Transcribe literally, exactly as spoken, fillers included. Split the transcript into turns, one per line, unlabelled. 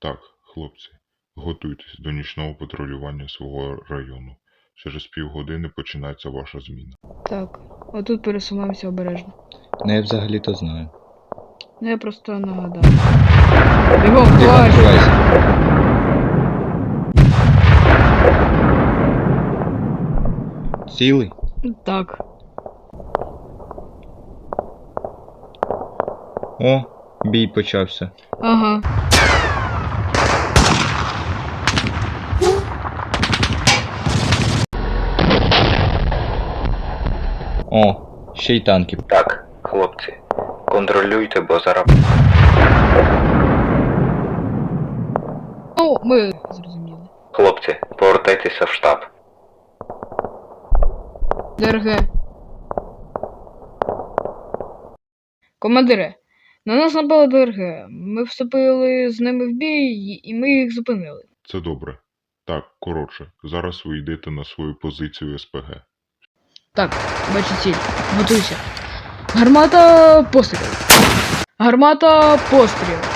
Так, хлопці, готуйтесь до нічного патрулювання свого району. Через півгодини починається ваша зміна.
Так, отут пересуваємося обережно.
Ну я взагалі-то знаю.
Ну я просто нагадав. Бігом,
Тихо,
ховайся!
ховайся. Цілий?
Так.
О, бій почався.
Ага.
О, ще й танки.
Так, хлопці, контролюйте, бо зараз.
Ну, ми зрозуміли.
Хлопці, повертайтеся в штаб.
ДРГ. Командире, на нас напали ДРГ. Ми вступили з ними в бій, і ми їх зупинили.
Це добре. Так, коротше, зараз ви йдете на свою позицію СПГ.
Так, бачу ціль. Готуйся. Гармата постріл. Гармата постріл.